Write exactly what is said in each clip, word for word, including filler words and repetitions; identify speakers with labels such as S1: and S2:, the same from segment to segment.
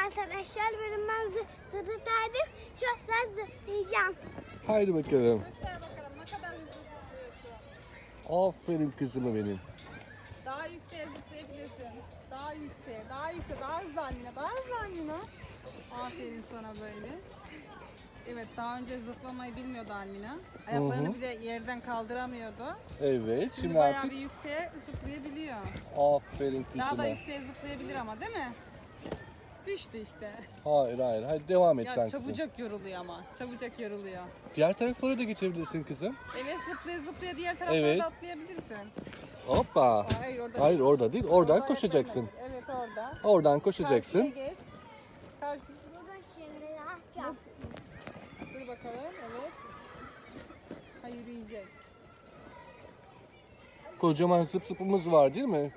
S1: arkadaşlar. Benim ben zıplardım. Çok güzel zıplayacağım.
S2: Haydi bakalım.
S3: Göster bakalım ne kadar hızlı zıplıyorsun.
S2: Aferin kızıma benim.
S3: Daha yükseğe zıplayabilirsin. Daha yükseğe, daha yükseğe, daha hızlı Almina, daha hızlı Almina. Aferin sana böyle. Evet, daha önce zıplamayı bilmiyordu Almina. Ayaklarını
S2: Hı hı.
S3: bile yerden kaldıramıyordu.
S2: Evet,
S3: Şimdi,
S2: şimdi
S3: bayağı
S2: artık
S3: bir yükseğe zıplayabiliyor.
S2: aferin
S3: Daha da
S2: kızıma.
S3: yükseğe zıplayabilir ama değil mi? Düştü işte.
S2: Hayır hayır, hadi devam et sen
S3: Ya
S2: kızım.
S3: çabucak yoruluyor ama. Çabucak yoruluyor.
S2: Diğer taraflara da geçebilirsin kızım.
S3: Evet, zıplaya zıplaya diğer taraflara
S2: Evet.
S3: da atlayabilirsin.
S2: Hoppa.
S3: Hayır orada
S2: Hayır
S3: değil.
S2: orada değil, oradan
S3: Orada
S2: koşacaksın.
S3: ayaklarına- Evet orada.
S2: Oradan
S3: Karşıya
S2: koşacaksın.
S3: geç. Karşı.
S1: Burada şimdi ne yapacağım?
S3: Dur bakalım. Evet. Ha yürüyecek.
S2: Kocaman zıp zıpımız var değil mi?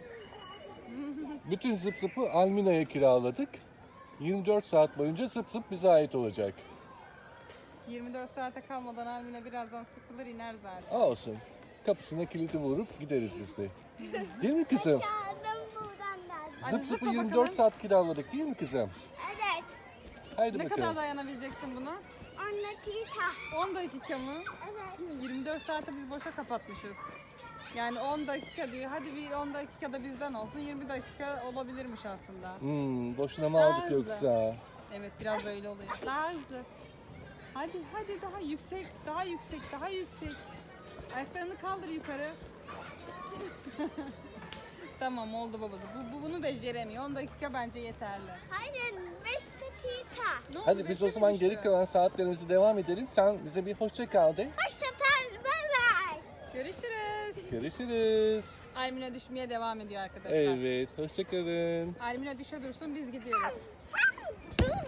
S2: Bütün zıp zıpı Almina'ya kiraladık. yirmi dört saat boyunca zıp zıp bize ait olacak.
S3: yirmi dört saate kalmadan Almina birazdan sıkılır iner zaten.
S2: Olsun. Kapısına kilidi vurup gideriz biz de. Değil mi kızım?
S1: Çağırdım buradan da.
S3: Hadi
S2: Zıp zıpı
S3: zıpla
S2: yirmi dört
S3: bakalım.
S2: saat kiraladık değil mi kızım?
S1: Evet.
S2: Haydi
S3: Ne
S2: bakalım.
S3: kadar dayanabileceksin buna?
S1: on dakika.
S3: on dakika mı?
S1: Evet.
S3: yirmi dört saate biz boşa kapatmışız. Yani on dakika diyor. Hadi bir on dakikada bizden olsun. yirmi dakika olabilirmiş aslında.
S2: Hmm, boşuna mı
S3: Daha
S2: aldık
S3: hızlı.
S2: yoksa?
S3: Evet biraz öyle oluyor. Daha hızlı. Hadi hadi daha yüksek, daha yüksek, daha yüksek. Ayaklarını kaldır yukarı. Tamam oldu babası. Bu, bu bunu beceremiyor. on dakika bence yeterli.
S1: Hayır, beş dakika.
S3: Ne oldu,
S2: Hadi biz
S3: beşe
S2: o
S3: mi
S2: zaman
S3: düştü?
S2: geri kalan saatlerimizi devam edelim. Sen bize bir hoşça kal de.
S1: Hoşçakal, bay bay.
S3: Görüşürüz.
S2: Görüşürüz.
S3: Almina düşmeye devam ediyor arkadaşlar.
S2: Evet, hoşça kalın.
S3: Almina düşe dursun biz gidiyoruz.